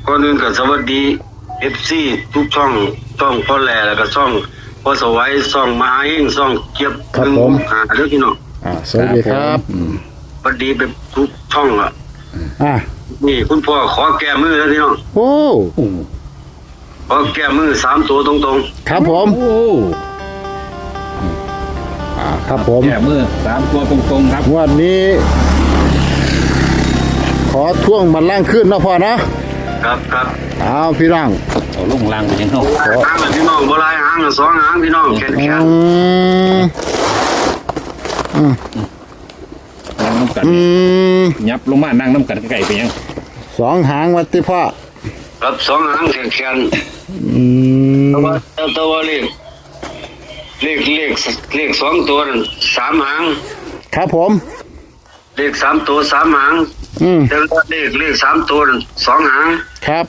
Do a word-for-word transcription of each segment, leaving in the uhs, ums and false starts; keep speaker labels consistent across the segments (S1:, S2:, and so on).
S1: ก่อนอื่นก็สวัสดี เอฟ ซี ทุกช่องช่องพ่อแหล่แล้วก็ช่องพ่อสวัยช่องมหาเฮงช่องเกียบ
S2: ครับผม
S1: หาเด้อพี่น้อง
S2: อ่าสวัสดีครับ
S1: สวัสดีเป็นทุกช่องอ่ะ
S2: อ่า
S1: นี่คุณพ่อขอแก้มือแล้วพี่น้อง
S2: โอ้
S1: ขอแก้มือสามตัวตรง
S2: ครับผม
S3: โอ้
S2: อ่าครับผม
S3: แก่มือสามตัวตรงๆครับ
S2: งวันนี้ ขอท่วงมันล่างขึ้นนะพ่อนะ
S1: ๆครับครับ
S2: เอาพี่ร่าง
S3: เอาลงล่างไปยังเขา
S1: หางละพี่น้องบ่หลายหางละสองหางพี่น้องแขน
S2: อื
S1: แขน
S2: ม
S3: นั่งน้ำกัน
S2: อืม
S3: ยับลงมานั่งน้ำกันไก่ไปยัง
S2: สองหางวัดที่พ่อ
S1: ครับสองหางแขนแขน
S2: อืม
S1: แต่ว่าแต่ว่าเลขเลขเลขเลขสองตัวนั่นสามหาง
S2: ครับผม
S1: เลขสามตัวสามหาง
S2: อืม
S1: แต่ว่าเลขเลขสามตัวนั่นสองหาง
S2: ครับ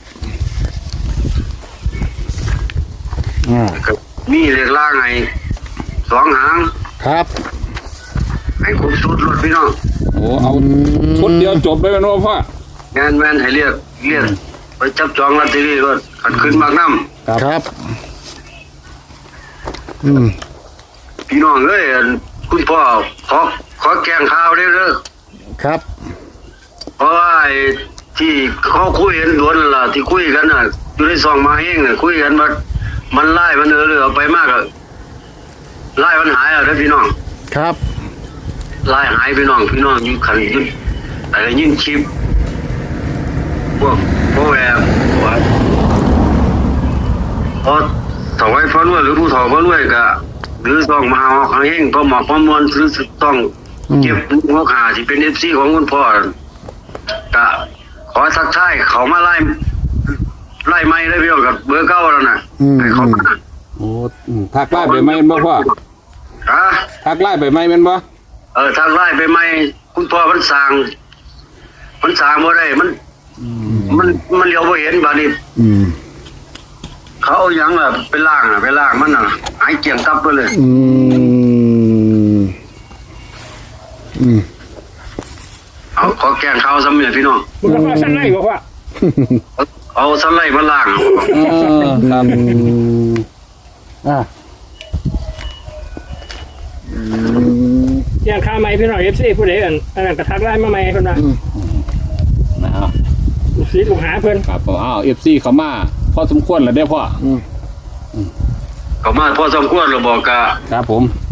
S2: อ่า
S1: ครับมีเลขล่างไงสองหาง
S2: ครับ
S1: ให้ครบชุดรถพี่น้อง
S3: โอ้เอาชุดเดียวจบไปเป็นว่าพ่อง
S1: านแม่นให้เรียกเรียกไปจับจองลอตเตอรี่รถขันขึ้นมากน้
S2: ครับ อืม
S1: ำพี่น้องเอ้ยอันคุณพ่อขอขอแกงข้าวได้เด้อ
S2: ครับ
S1: เพราะว่าไอ้ที่เขาคุยกันด่วนนั่นล่ะที่คุยกันน่ะอยู่ในซองมาเองน่ะคุยกันว่ามันไล่มันเออเลยเอาไปมากอะไล่มันหายอ่ะเด้อพี่น้อง
S2: ครับ
S1: ไล่หายพี่น้องพี่น้องอยู่ขันยุดอะไรยินชิปพวกพวกแหวนพวกพอถวายพระรวยหรือผู้ถวายพระรวยก็หรือต้องมาเอาของเองพอหมอกพอมวลหรือต้องเก็บหัวขาที่เป็นเอฟซีของคุณพ่อก็ขอสักท้ายเขามาไล่ไล่ไม่ได้พี่น้องกับเบอร์เก้าแล้วนะให้เขามา
S3: โอ้ทักไล่ไปไหมเป็นบ่พ่อ
S1: ฮะ
S3: ทักไล่ไปไหมเป็นบ่
S1: เออทางไล่ไปไม่คุณพ่อมันสั่งมันสั่งบ่ได้มัน มันมันเลี้ยวบ่เห็นบาดนี้
S2: อืม
S1: เขาเอาหยังล่ะไปล่างอ่ะไปล่างมันน่ะหายเกี่ยงตับไปเลย
S2: อืม อืม
S1: เอาขอแกงข้าวซ้ำเนี่ยพี่น้อง
S4: มึงก็ว่าสั้นไล่บอกว่า
S1: เอาเอาสไลด์มาล่าง
S3: เออครับ
S2: อ่า
S4: อย่างข้าไม่พี่น้องเอฟซีผู้ใดอันอันนั้นกระทักไล่มาใหม่เพิ่นว่า
S3: นะครับ
S4: ลูกศิษย์ลูกหาเพิ่น
S3: ครับผมอ้าวเอฟซีเขามาพอสมควรแล้วเด้อพ่อ
S1: เขามาพอสมควรเราบอกกะ
S3: ครับผม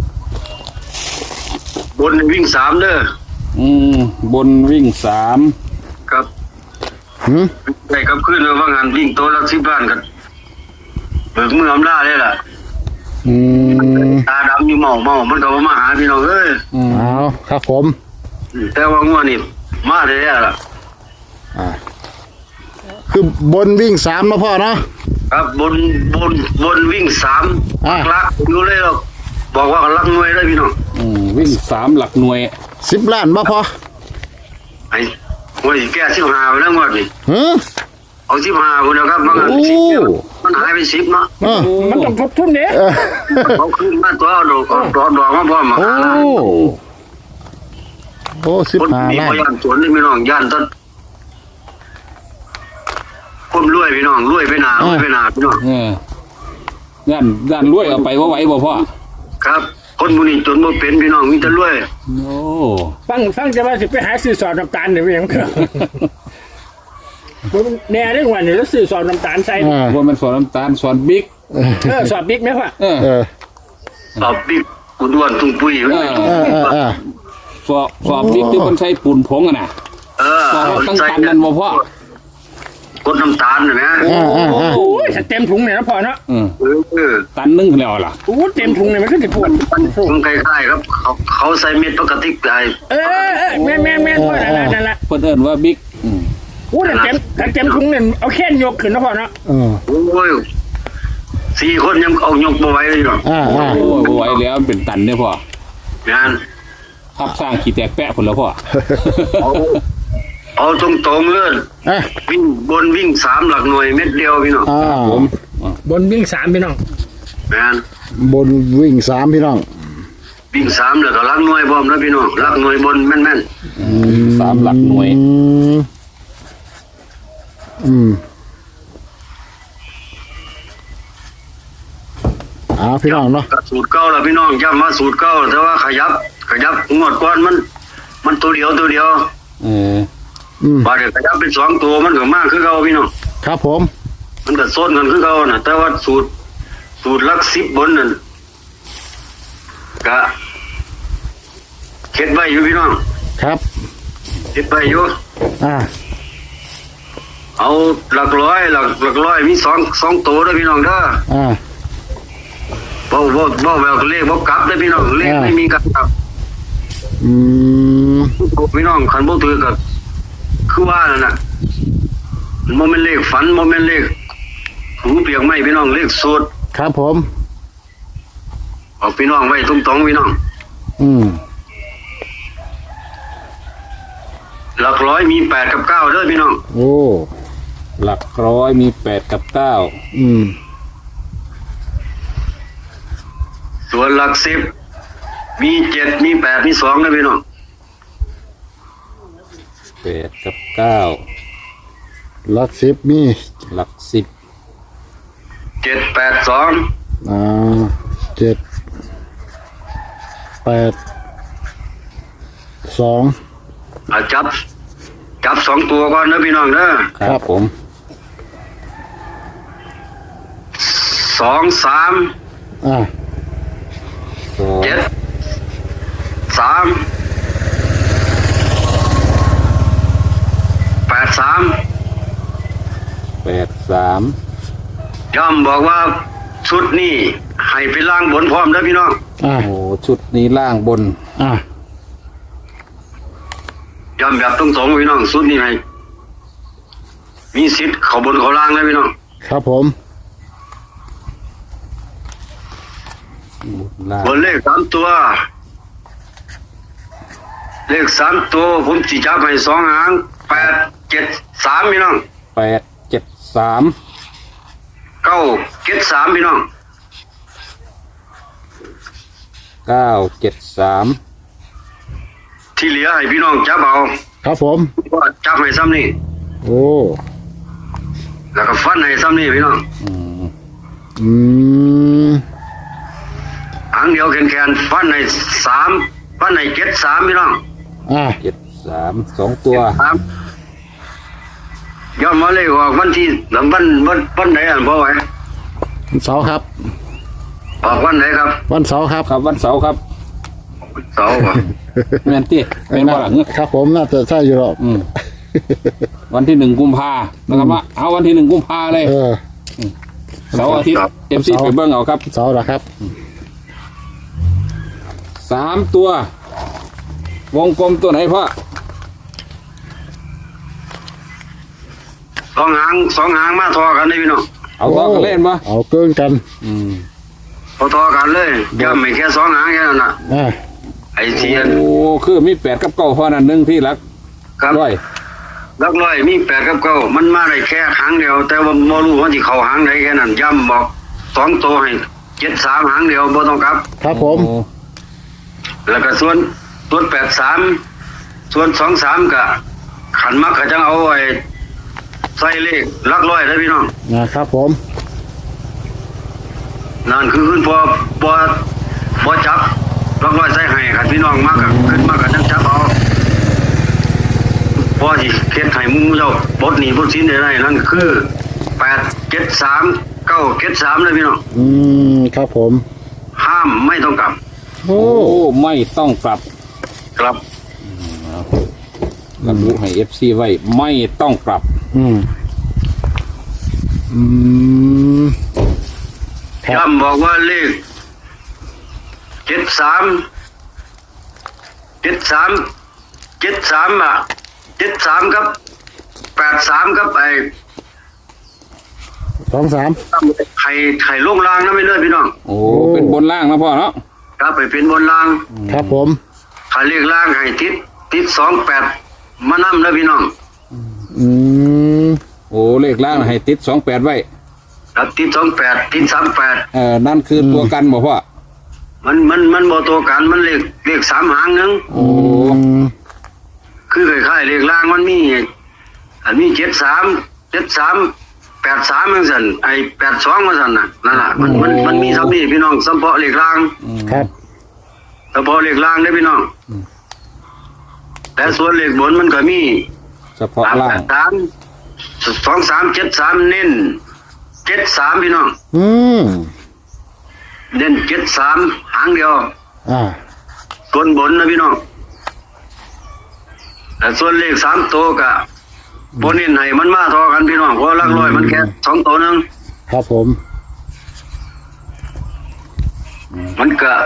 S1: บนวิ่งสามเด้อ
S3: อืมบนวิ่งสาม
S1: ครับ
S2: หืม
S1: ได้ครับขึ้นแล้วว่างานวิ่งตัวละสิบบ้านกันเบิกมืออำนาจเลยล่ะ
S2: อืม
S1: ตาดำอยู่เมาเมามันก็บ่มาหาพี่น้องเอ้ย
S3: อืม
S2: เอาครับผม
S1: แต่ว่างัวนี่มาได้แล้วล่ะ
S2: อ่า คือบนวิ่งสามนะพ่อเนาะ
S1: ครับบนบนบนวิ่งสาม
S2: อ่า
S1: ลักอยู่เลยหรอกบอกว่าลักหน่วยเลยพี่น้อง
S3: อืมวิ่งสามหลักหน่วย
S2: สิบล้านบ่พอ
S1: ไอ้หวยแก้สิบห้าไปแล้วงวดนี่
S2: หือ
S1: เอาสิบห้าคนแล้วครับบางอัน
S2: โอ้
S1: สิบเดียวมันหายไปสิบเนาะ
S2: เออ
S4: มันต้องทบทุนเด้
S2: เออ
S1: เขาขึ้นมาตัวเอาดอกเอาดอกดอกมาพร้อมมา
S2: โอ้
S1: หาล้าน
S2: โอ้สิบ
S1: คน
S2: ห้า
S1: มี
S2: ล้า
S1: พ
S2: น
S1: ยานสวนนี่พี่น้องย่านต้นคนรวยพี่น้องรวยไปหนารวยไปหนาพี่น้อง
S3: เออย่านย่านรวยเอาไปว่าไหวบ่พ่อ
S1: ครับ คนบุนีจนบ่เป็นพี่น้องมีแต่รวย
S3: โอ้
S4: ฟังฟังจะว่าสิไปหาซื้อสอดน้ำตาลเดี๋ยวอย่างเถอะแน่เรื่องวันนี้แล้วซื้อสอดน้ำตาลใส่
S2: อ่า
S3: ว่ามันสอนน้ำตาลสอนบิ๊ก
S4: เออสอดบิ๊กไหมพ่อ
S3: เออ
S2: เออ
S1: ตอบบิ๊กกุดวนทุ่งปุ้ย
S3: เออ
S2: เออเออเออ
S3: สอบสอบบิ๊กที่มันใช้ปูนผงอะนะ
S1: เออ
S3: สอบตั้งตันนั่นบ่พ่อก
S1: ดน้ำตาลน่ะนะ
S2: เออเออเออ
S4: โอ้ยถ้าเต็มถุงเนี่ยนะพ่อเนาะ
S3: เออ
S1: เออเออ
S3: ตันนึงแล้วล่ะ
S4: โอ้เต็มถุงเนี่ยมันก็จะปวด
S1: มันคล้ายๆครับเขาเขาใส่เม็ดปกติได้
S4: เออเออแม่แม่แม่พ่อนั่นแหละนั่นแหละ
S3: เพิ่นเอิ้นว่าบิ๊กอืม
S4: โอ้แต่เต็มแต่เต็มถุงเนี่ยเอาแค่นยกขึ้นนะพ่อเนาะ
S2: เออ
S1: โอ้ยสี่คนยังเอายกบ่ไหวเลยเนาะ
S2: อ่าอ่า
S3: โอ้ยบ่ไหวแล้วมันเป็นตันเด้อพ่อง
S1: าน
S3: ทับสร้างขี้แตกแปะพุ่นแล้วพ่อ
S1: เอาเอาตรงๆเลย
S2: อ่ะ
S1: วิ่งบนวิ่งสามหลักหน่วยเม็ดเดียวพี่น้อง
S2: อ่า
S3: ผม
S4: บนวิ่งสามพี่น้อง
S1: งาน
S2: บนวิ่งสามพี่น้อง
S1: วิ่งสามแล้วก็หลักหน่วยพร้อมแล้วพี่น้องหลักหน่วยบนแม่น
S3: สามหลักหน่วย
S2: อืมอืม
S1: ๆ
S2: พี่น้องเนาะ
S1: กับสูตรเก่าแล้วพี่น้องย้ำมาสูตรเก่าแต่ว่าขยับขยับงวดก่อนมัน มันตัวเดียวตัวเดียว
S3: เออ
S2: อืม
S1: บาดเดี๋ยวขยับเป็นสองตัวมันก็มากคือเก่าพี่น้อง
S2: ครับผม
S1: มันก็ส้นกันคือเก่าน่ะแต่ว่าสูตรสูตรหลักสิบบนนั่นก็เข็ดไว้อยู่พี่น้อง
S2: ครับ
S1: เข็ดไว้อยู่
S2: อ่า
S1: เอาหลักร้อยหลักหลักร้อยมีสองสองตัวเด้อพี่น้องเด้อ
S2: อ่า
S1: บ่บ่บ่แบบเลขบ่กลับเด้อพี่น้องเลข
S2: อ่า
S1: ไม่มีกลับครับ
S2: อืม
S1: พี่น้องคันบ่ถือก็คือว่านั่นน่ะมันบ่แม่นเลขฝันบ่แม่นเลขหูเปียกไม้พี่น้องเลขสูตร
S2: ครับผม
S1: เอาพี่น้องไว้ตรงๆพี่น้อง
S2: อืม
S1: หลักร้อยมีแปดกับเก้าเด้อพี่น้อง
S2: โอ้
S3: หลักร้อยมีแปดกับเก้า
S2: อืม
S1: ส่วนหลักสิบมีเจ็ดมีแปดมีสองเด้อพี่น้อง
S3: แปดกับเก้า
S2: หลักสิบมี
S3: หลักสิบ
S1: เจ็ดแปดสอง
S2: อ่าเจ็ดแปดสอง
S1: อ่ะจับ จับสองตัวก่อนเด้อพี่น้องเด้อ
S3: ครับผม
S1: สองสาม
S2: อ่า
S3: สอง
S1: เจ็ดสามแปดสาม
S3: แปดสาม
S1: ย่อมบอกว่าชุดนี้ให้ไปล่างบนพร้อมเด้อพี่น้อง
S2: อ่า
S3: โอ้ชุดนี้ล่างบน
S2: อ่า
S1: ย่อมแบบตรงๆพี่น้องชุดนี้ให้มีสิทธิ์เข้าบนเข้าล่างเลยพี่น้อง
S2: ครับผม
S3: บนล่าง
S1: บนเลขสามตัว เลขสามตัวผมสิจับให้สองหางแปดเจ็ดสามพี่น้อง
S3: แปดเจ็ดสาม
S1: เก้าเจ็ดสามพี่น้อง
S3: เก้าเจ็ดสาม
S1: ที่เหลือให้พี่น้องจับเอา
S2: ครับผม
S1: ว่าจับให้ซ้ำนี่
S2: โอ้
S1: แล้วก็ฟันให้ซ้ำนี่พี่น้อง
S3: อืม
S2: อืม
S1: หางเดียวแขนๆฟันให้สามฟันให้เจ็ดสามพี่น้อง
S2: อ่า
S3: เจ็ดสามสองตัว
S1: สามย้อนมาเลยว่าวันที่หลังวันวันวันไหนอ่ะพ่อไหว
S2: วันเสาร์ครับ
S1: ออกวันไหนครับ
S2: วันเสาร์ครับ
S3: ครับวันเสาร์ครับ
S1: เสาร์ว่ะ
S3: แม่นตี้เป็นบ่หลัง
S2: ครับผมน่าจะใช่อยู่หรอก
S3: อืมวันที่หนึ่งกุมภานะครับว่าเอาวันที่หนึ่งกุมภาเลย
S2: เออ
S3: เสาร์อาทิตย์เอฟซีไปเบิ้งเอาครับ
S2: เสาร์เหรอครับ
S3: สามตัว วงกลมตัวไหนพ่อ
S1: สองหางสองหางมาทอกันเลยพี่น้อง
S3: เอาต่อกันเล่นปะ
S2: เอาเกินกัน
S3: อืม
S1: พอทอกันเลยย้ำไม่แค่สองหางแค่นั้นน่ะ
S2: อ่า
S1: ไอ้เทียน
S3: โอ้คือมีแปดกับเก้าพ่อนั่นหนึ่งที่รัก
S1: ครับ
S3: ร้อย
S1: ลักร้อยมีแปดกับเก้ามันมาได้แค่หางเดียว แต่ว่าบ่รู้ว่าที่เขาหางไหนแค่นั้นย้ำบอกสองตัวให้เจ็ดสามหางเดียวบ่ต้องกลับ
S2: ครับผม
S3: โอ้
S1: แล้วก็ส่วนส่วนแปดสามส่วนสองสามก็ขันมักก็จะเอาไอ้ใส่เลขลักร้อยเลยพี่น้อง
S2: นะครับผม
S1: นั่นคือขึ้นพอพอพอจับลักร้อยใส่ให้ขันพี่น้องมากก็ขึ้นมากก็จังจับเอาพอที่เฮ็ดให้หมู่เจ้าบดหนีบดสินได้นั่นคือแปดเจ็ดสามเก้าเจ็ดสามเลยพี่น้อง
S2: อืมครับผม
S1: ห้ามไม่ต้องกลับ
S2: โอ้
S3: โอ้ไม่ต้องกลับ
S1: กลับ
S3: ระบุให้เอฟซีไว้ไม่ต้องกลับ
S2: อืมอืมครับ
S1: ย้ำบอกว่าเลขเจ็ดสามเจ็ดสามเจ็ดสามอ่ะเจ็ดสามครับแปดสามครับไอ้
S2: สองสาม
S1: ไข่ไข่ลงล่างนะไม่เลื่อนพี่น้อง
S3: โอ้เป็นบนล่างนะพ่อเนาะ
S1: ครับไปเป็นบนล่าง
S2: ครับผม
S1: ไข่เลขล่างไข่ติดติดสองแปดมานั่นะพี่น้อง
S2: อืม
S3: โอ้เลขล่างให้ติดสองแปดไว้
S1: ครับติดสองแปดติดสามแปด
S3: เออนั่นคือตัวกันบ่พ่อ
S1: มันมันมันบ่ตัวกันมันเลขเลขสามหางหนึง
S3: โอ้
S2: อืม
S1: คือคล้ายๆเลขล่างมันมีอันมีเจ็ดสามเจ็ดสามแปดสามเหมือนกันไอ้แปดสองเหมือนกันน่ะนั่นแหละมันมันมันมีซ้ำนี่พี่น้องเฉพาะเลขล่าง
S2: ครับ
S1: เฉพาะเลขล่างได้อพี่น้องแต่ส่วนเลขบนมันก็มี
S3: เฉพาะ
S1: สาม
S3: ล่า
S1: แป
S3: ง
S1: ดสามสองสามเจ็ดสามเน้นเจ็ดสามพี่น้อง
S2: อืม
S1: เน้นเจ็ดสามหางเดียว
S2: อ่า
S1: ส่วนบนนะพี่น้องแต่ส่วนเลขสามตัวกะบนเน้นให้มันมาทอกันพี่น้องเพราะหลักร้อยมันแค่สองตัวหนึง
S2: ครับผม
S1: มันกะ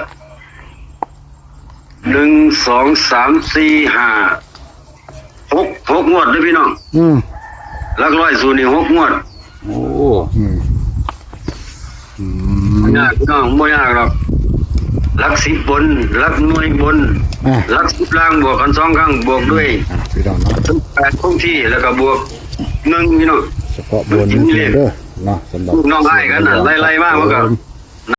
S1: หนึ่งสองสามสี่ห้าหกหกงวดเลยพี่น้อง
S2: อืม
S1: หลักร้อยสูตรนี่หกงวด
S3: โอ้
S2: อืมอืม
S1: ไม่ยากพี่น้องไม่ยากหรอกหลักสิบบนหลักหน่วยบน
S2: อ่า
S1: หลักสิบล่างบวกกันสองครั้งบวกด้วย
S2: อ่าพี่น้องเนาะ
S1: แปดคงที่แล้วก็บวกหนึ่งพี่น้อง
S2: เฉพาะบนนี่เด้อเนาะสำหรับ
S1: ลูกน้องให้กันน่ะไล่ๆมากมันก็